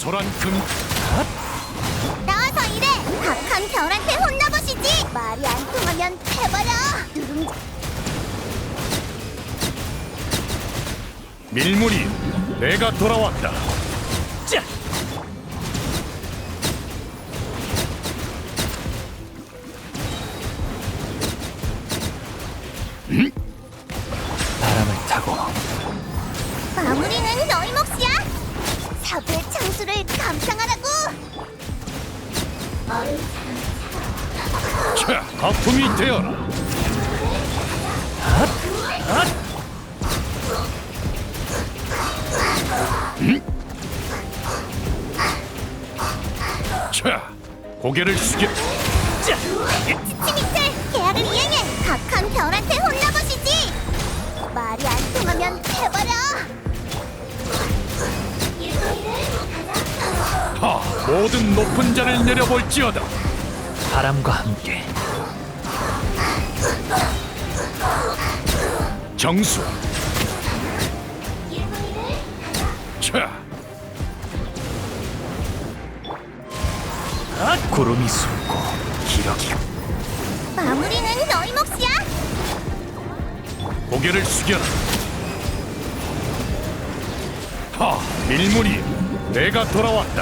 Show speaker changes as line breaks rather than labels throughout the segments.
소란 금
나와서 일해! 박한 별한테 혼나보시지! 말이 안 통하면 해버려! 누룽지
밀물이 내가 돌아왔다.
자! 바람을 타고
마무리는 너희 몫이야! 사부의 창수를 감상하라고!
자, 거품이 되어라. 자, 고개를 숙여.
치미틀! 계약을 이행해! 박한 별한테 혼나보시지! 말이 안 통하면 해버려!
하, 모든 높은 자를 내려볼지어다.
바람과 함께
정수. 자,
구름이 숨고 기러기
마무리는 너희 몫이야!
고개를 숙여라. 하, 밀물이 내가 돌아왔다.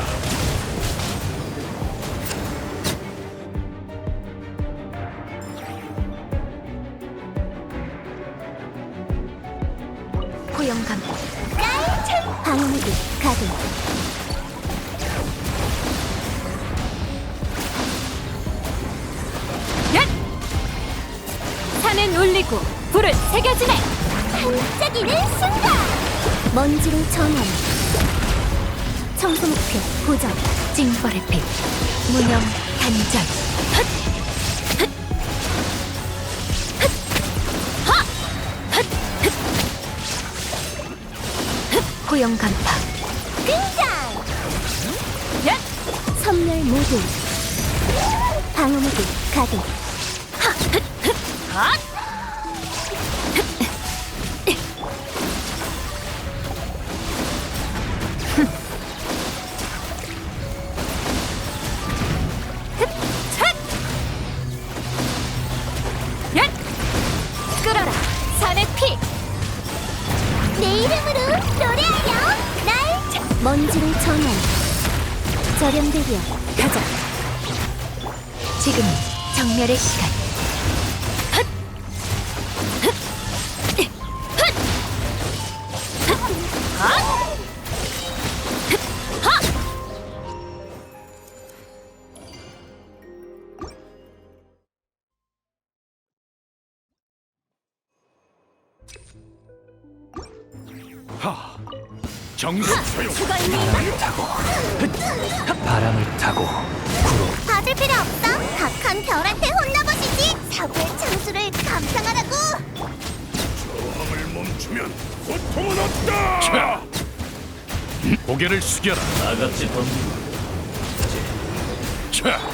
고용감 짤! 방어무기 가동
산은 울리고 불은 새겨지네.
반짝이는 순간! 먼지로 전환 청소 목표 고정
징벌의 빛 무념 단전. 헛! 헛! 헛! 하! 헛! 헛! 헛! 고용 간파.
등장!
야!
선멸 모드 방어무기 가동
헛! 야! 끌어라 산의 피.
내 이름으로 노래하여 날 먼지로 전환 저렴대기야
가자. 지금 정멸의 시간. 헛! 헛! 헛! 헛! 헛! 헛!
하, 정수 소용.
바람을 타고 바람을 타고 구름
받을 필요 없어 박한 별한테 혼나보시지 사고의 창수를 감상하라고
저항을 멈추면 고통은 없다. 자, 고개를 숙여라.
나같이 던지고
자,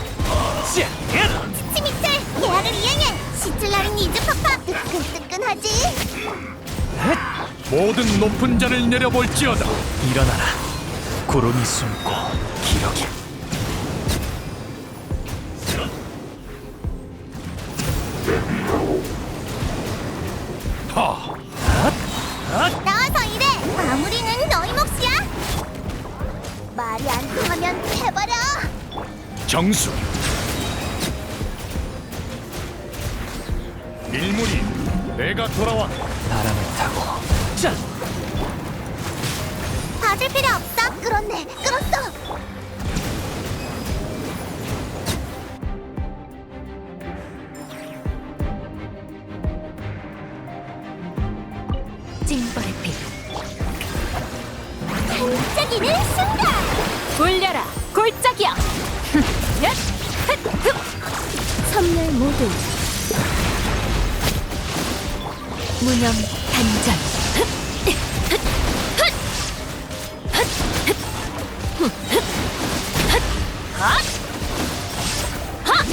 치미틀 계약을 이행해 시틀라린 이즈파파 뜨끈뜨끈하지
모든 높은 자를 내려볼지어다.
일어나라. 구름이 숨고 기러기
하,
나와서 일해 마무리는 너희 몫이야 말이 안 통하면 해버려
정수. 밀물이 내가 돌아왔다.
바람을 타고 짠!
받을 필요 없어 끌었네 끌었어
징벌의 빛
반짝이는 순간
울려라 골짜기여. 야! 헛! 흡!
선멸 모드
무념 단전. 헛! 헛! 헛! 헛! 헛! 헛! 헛! 헛!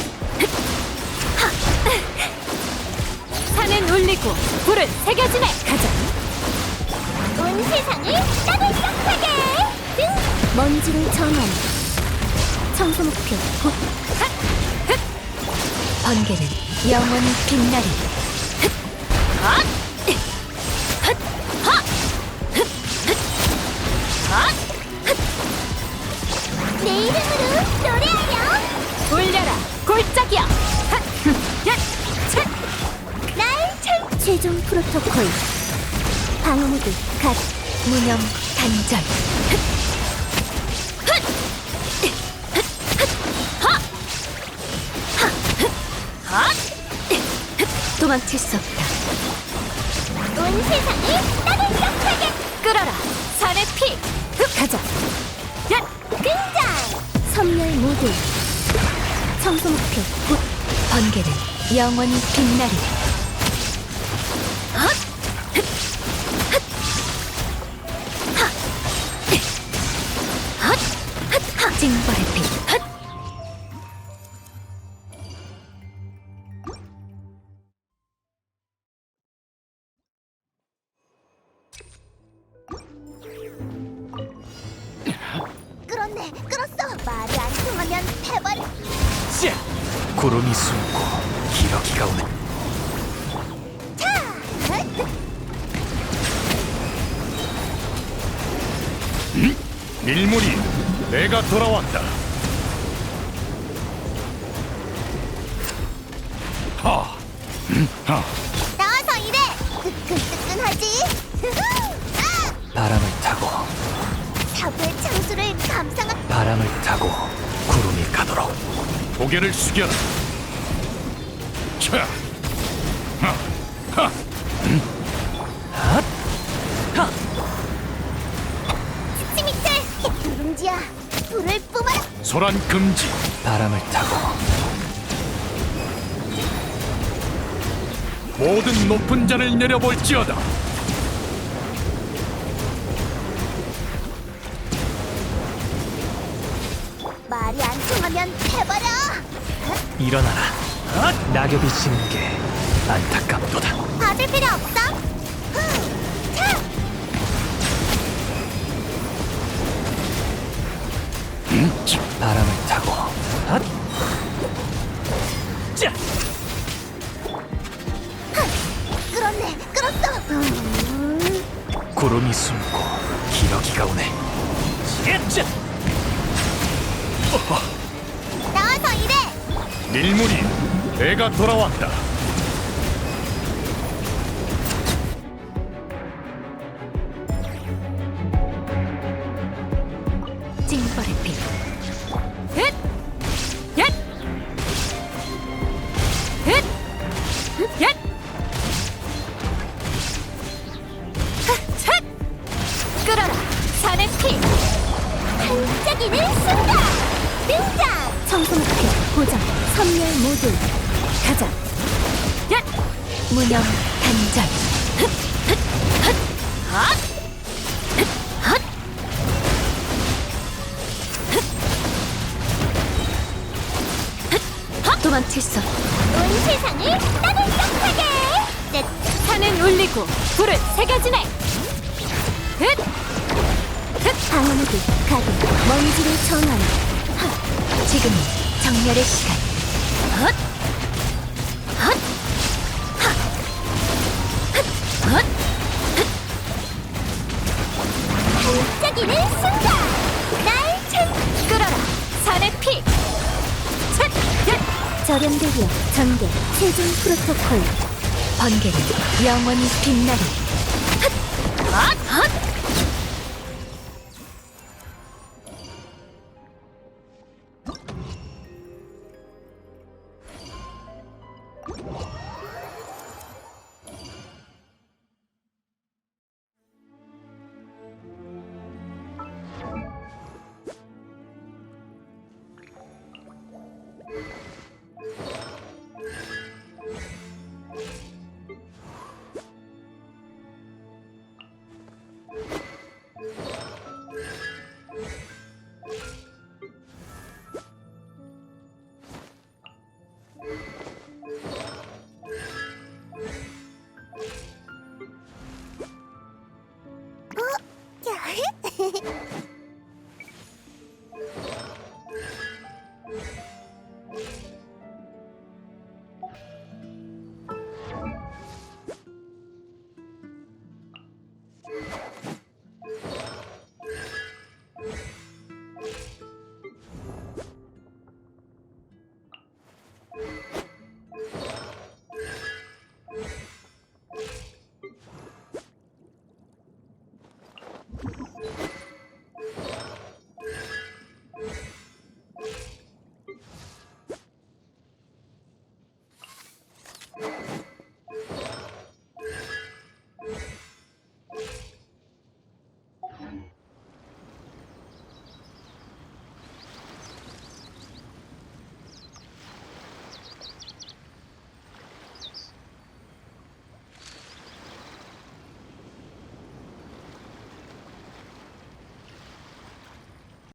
헛! 산은 울리고 불은 새겨지네. 가자.
온 세상을 따뜻하게 먼지를 전환. 청소 목표 곧.
번개는 영원히 빛나리.
내 이름으로 노래하렴.
올려라 골짜기야.
최종 프로토콜 방어 모드 갓.
무념 단절. 도망칠 수 없다.
온 세상을 따뜻하게
끌어라 산의 피. 가자.
등장. 선멸 모드. 청소 목표 곧.
번개는 영원히 빛나리. 징벌의 피.
끌었네. 끌었어. 말이 안 통하면 해버려.
자! 구름이 숨고 기러기가 오네.
차.
밀물이 내가 돌아왔다. 하, 하.
나와서 일해. 뜨끈뜨끈하지.
바람을 타고
사부의 창수를 감상하.
바람을 타고 구름이 가도록.
고개를 숙여라. 차, 하, 하.
치미틀. 누룽지야. 불을 뿜어라.
소란 금지.
바람을 타고
모든 높은 잔을 내려볼지어다.
말이 안 통하면 해버려.
일어나라. 낙엽이 지는 게 안타깝도다.
받을 필요 없어. 차.
바람을 타고 자!
끌었네. 끌었어.
구름이 숨고 기러기가 오네. 자!
나와서 일해.
밀물이 내가 돌아왔다.
징벌의 피. 흣! 얏! 흣! 얏! 얏! 끌어라 산의 피.
반짝이는 순간. 등장. 청소 목표 고정. 선멸 모드.
가자. 얏! 무념 단절. 도망칠 수 없다.
온 세상을 따뜻하게. 내
산은 울리고 불은 새겨지네. 흣!
방어 모드 가동. 먼지를 전환.
지금이 정렬의 시간. 헛! 헛! 하! 헛!
반짝이는 순간. 날 찾.
끌어라 산의 피. 얏! 얏!
절연대기업 전개. 최종 프로토콜.
번개는 영원히 빛나리. 헛! 헛!